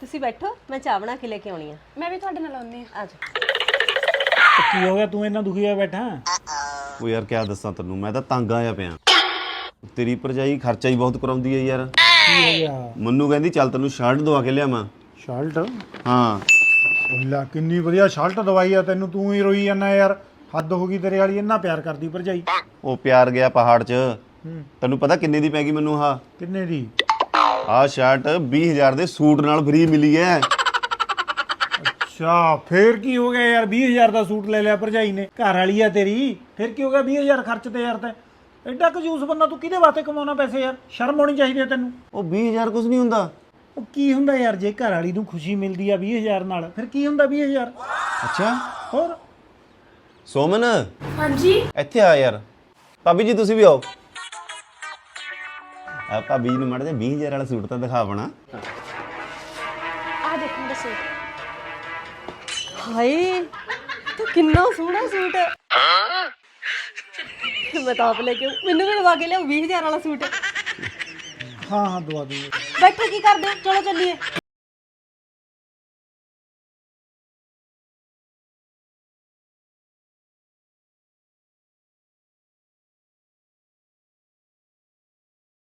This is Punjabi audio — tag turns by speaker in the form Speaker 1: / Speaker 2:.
Speaker 1: ਤੁਸੀਂ ਬੈਠੋ, ਮੈਂ ਚਾਹ ਬਣਾ ਕੇ ਲੈ ਕੇ ਆਉਣੀ ਆ।
Speaker 2: ਮੈਂ ਵੀ ਤੁਹਾਡੇ ਨਾਲ ਆਉਂਦੀ ਆ।
Speaker 1: ਆਜੋ।
Speaker 3: ਕੀ ਹੋ ਗਿਆ ਤੂੰ ਇੰਨਾ ਦੁਖੀ ਹੋਇਆ ਬੈਠਾ?
Speaker 4: ਉਹ ਯਾਰ ਕਿਆ ਦੱਸਾਂ ਤੈਨੂੰ, ਮੈਂ ਤਾਂ ਤੰਗ ਆਇਆ ਪਿਆ। ਤੇਰੀ ਭਰਜਾਈ ਖਰਚਾ ਹੀ ਬਹੁਤ ਕਰਾਉਂਦੀ ਹੈ ਯਾਰ।
Speaker 3: ਕੀ ਹੋ ਗਿਆ?
Speaker 4: ਮੰਨੂ ਕਹਿੰਦੀ ਚੱਲ ਤੈਨੂੰ ਸ਼ਰਟ ਦਵਾ ਕੇ ਲਿਆਵਾਂ।
Speaker 3: ਸ਼ਰਟ?
Speaker 4: ਹਾਂ
Speaker 3: ਉੱਲਾ ਕਿੰਨੀ ਵਧੀਆ ਸ਼ਰਟ ਦਵਾਈ ਆ ਤੈਨੂੰ, ਤੂੰ ਹੀ ਰੋਈ ਜਾਂਦਾ ਯਾਰ। ਹੱਦ ਹੋ ਗਈ ਤੇਰੇ ਵਾਲੀ, ਇੰਨਾ ਪਿਆਰ ਕਰਦੀ ਭਰਜਾਈ।
Speaker 4: ਉਹ ਪਿਆਰ ਗਿਆ ਪਹਾੜ 'ਚ। ਤੈਨੂੰ ਪਤਾ ਕਿੰਨੇ ਦੀ ਪੈ ਗਈ ਮੈਨੂੰ? ਆਹ
Speaker 3: ਕਿੰਨੇ ਦੀ?
Speaker 4: ਆਹ ਸ਼ਰਟ 20,000 ਦੇ ਸੂਟ ਨਾਲ ਫ੍ਰੀ ਮਿਲੀ ਹੈ।
Speaker 3: ਅੱਛਾ ਫੇਰ ਕੀ ਹੋ ਗਿਆ ਯਾਰ? 20,000 ਦਾ ਸੂਟ ਲੈ ਲਿਆ ਭਰਜਾਈ ਨੇ, ਘਰ ਵਾਲੀ ਆ ਤੇਰੀ, ਫਿਰ ਕੀ ਹੋ ਗਿਆ? 20,000 ਖਰਚ ਤੇ ਯਾਰ ਤੈਂ ਐਡਾ ਕੰਜੂਸ ਬੰਦਾ, ਤੂੰ ਕਿਹਦੇ ਵਾਸਤੇ ਕਮਾਉਣਾ ਪੈਸੇ ਯਾਰ? ਸ਼ਰਮ ਆਉਣੀ ਚਾਹੀਦੀ ਹੈ ਤੈਨੂੰ।
Speaker 4: ਉਹ 20,000 ਕੁਝ ਨਹੀਂ ਹੁੰਦਾ।
Speaker 3: ਉਹ ਕੀ ਹੁੰਦਾ ਯਾਰ, ਜੇ ਘਰ ਵਾਲੀ ਨੂੰ ਖੁਸ਼ੀ ਮਿਲਦੀ ਆ 20,000 ਨਾਲ, ਫਿਰ ਕੀ ਹੁੰਦਾ 20,000?
Speaker 4: ਅੱਛਾ
Speaker 3: ਹੋਰ
Speaker 4: ਸੋਮਨ,
Speaker 2: ਹਾਂਜੀ
Speaker 4: ਇੱਥੇ ਆ ਯਾਰ। ਭਾਬੀ ਜੀ ਤੁਸੀਂ ਵੀ ਆਓ। ਆ ਭਾਬੀ ਜੀ ਨੂੰ ਮਾੜਾ ਜਿਹਾ 20,000 ਵਾਲਾ ਸੂਟ ਤਾਂ ਦਿਖਾ ਬਣਾ।
Speaker 2: ਆ ਦੇਖੋ ਮੇਰਾ ਸੂਟ।
Speaker 1: ਹਾਏ ਤੂੰ ਕਿੰਨਾ ਸੋਹਣਾ ਸੂਟ ਹੈ। ਮੈਂ ਤਾਂ ਆਪ ਲੈ ਕੇ ਆਊਂ। ਮੈਨੂੰ ਵੀ ਲਵਾ ਕੇ ਲਿਆਓ 20,000 ਵਾਲਾ ਸੂਟ।
Speaker 3: ਹਾਂ ਦਵਾ ਦੂੰਗਾ।
Speaker 1: ਬੈਠੋ, ਕੀ ਕਰਦੇ ਹੋ? ਚਲੋ ਚੱਲੀਏ।